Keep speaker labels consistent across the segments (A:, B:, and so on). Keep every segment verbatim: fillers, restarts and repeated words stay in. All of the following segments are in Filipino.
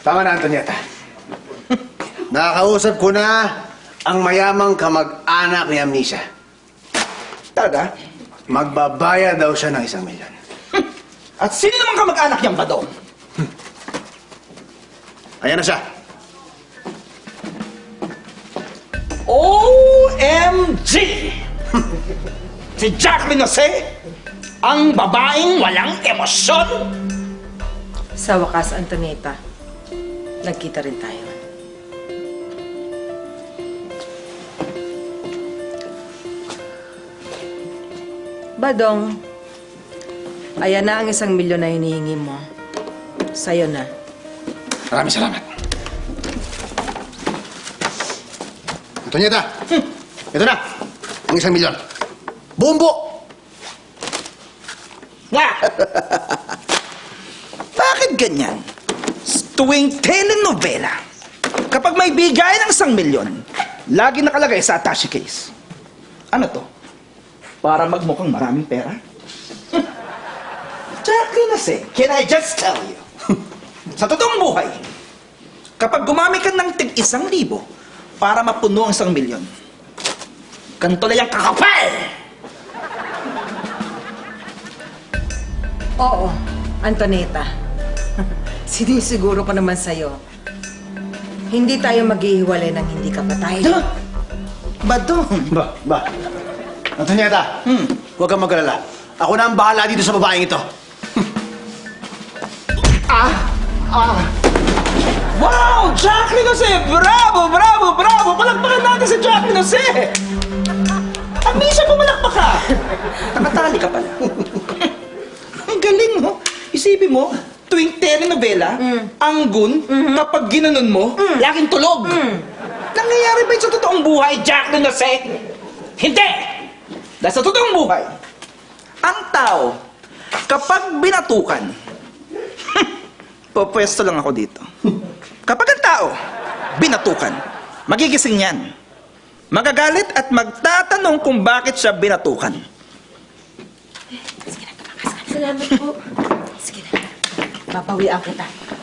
A: Tama na, Antonieta. Nakakausap ko na ang mayamang kamag-anak ni Amnesia.
B: Talaga?
A: Magbabayad daw siya ng isang milyon.
B: At sino naman kamag-anak niyang badong?
A: Ayan na siya.
B: O M G! Si Jacqueline Jose, ang babaeng walang emosyon.
C: Sa wakas, Antonieta, nagkita rin tayo. Badong, ayan na ang isang milyon na hinihingi mo. Sa'yo na.
A: Maraming salamat. Antonieta, hmm. ito na, ang isang milyon. Bumbo!
B: Nga! Bakit ganyan? Tuwing telenovela, kapag may bigay ng isang milyon, lagi nakalagay sa attache case. Ano to? Para magmukhang maraming pera? Jacqueline Jose, can I just tell you? Sa totoong buhay, kapag gumamit ka ng tig isang libo para mapuno ang isang milyon, ganito lang yung kakapal!
C: Oo, Antonieta. Sinisiguro ko naman sa'yo. Hindi tayo maghihiwalay ng hindi ka patay.
B: Ano? Badong!
A: Ba, ba. Antonieta,
B: Hmm.
A: huwag kang mag-alala. Ako na ang bahala dito sa babaeng ito. ah! Ah!
B: Wow! Jacqueline Jose! Bravo! Bravo! Bravo! Palakpakan natin si Jacqueline Jose! Amnesia, pumalakpak ka! Nakatali ka pala. Ang galing, mo. Isipin mo, tuwing telenovela,
C: Mm.
B: ang gun, kapag ginanon mo,
C: Mm.
B: laging tulog.
C: Mm.
B: Nangyayari ba yun sa totoong buhay, Jacqueline Jose? Hindi! Dahil sa totoong buhay, ang tao, kapag binatukan, pupwesto lang ako dito. Kapag ang tao, binatukan, magigising yan. Magagalit at magtatanong kung bakit siya binatukan.
C: Salamat po. Sige na. Papawian kita.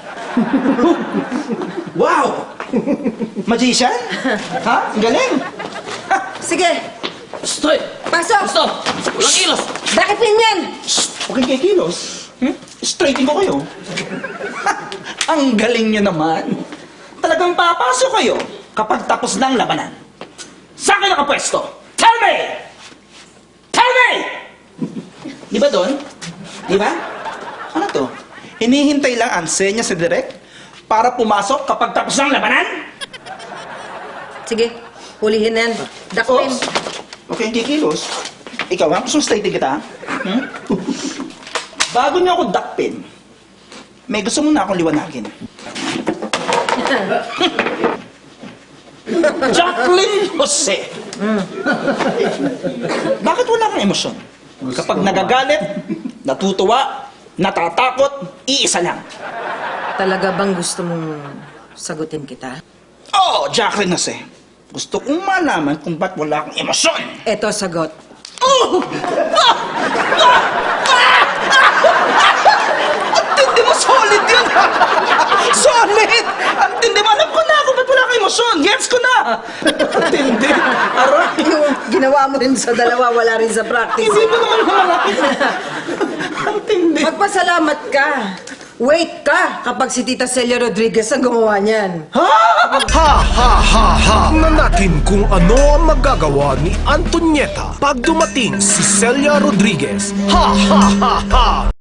B: Wow! Magician? Ha? Ang galing! Ha?
C: Sige,
B: Stoy!
C: pasok!
B: Stop! Walang kilos!
C: Bakit ganyan?
B: Okay kay kilos. Hmm? Straightin ko kayo. Ang galing niyo naman. Talagang papasok kayo kapag tapos na ang labanan. Saan kayo nakapwesto? Tell me! Tell me! Di ba doon? Di ba? Ano to? Hinihintay lang ang senya sa direct para pumasok kapag tapos na ang labanan?
C: Sige, hulihin na yan. Dakpin.
B: Oops. Okay, hindi kilos. Ikaw ha? Gusto mo straightin kita ha? Hmm? Bago niyo ako dakpin, may gusto mo na akong liwanagin. Jacqueline Jose! Bakit wala kang emosyon? Kapag nagagalit, natutuwa, natatakot, iisa lang.
C: Talaga bang gusto mong sagutin kita?
B: Oo, oh, Jacqueline Jose. Gusto kong malaman kung ba't wala akong emosyon.
C: Eto, sagot.
B: Oh! Ah! Ah! Ah! Ang tindi mo, solid yun! Solid! Ang tindi mo, alam ko na kung ba't wala kang emosyon. Gets ko na! Ang tindi. Aray!
C: Yung ginawa mo rin sa dalawa, wala rin sa practice.
B: Hindi mo naman malaki. Ang tindi.
C: Magpasalamat ka. Wait ka kapag si Tita Celia Rodriguez ang gumawa niyan.
B: Ha?
D: Ha ha ha ha! Na natin kung ano ang magagawa ni Antonieta pag dumating si Celia Rodriguez. Ha ha ha ha!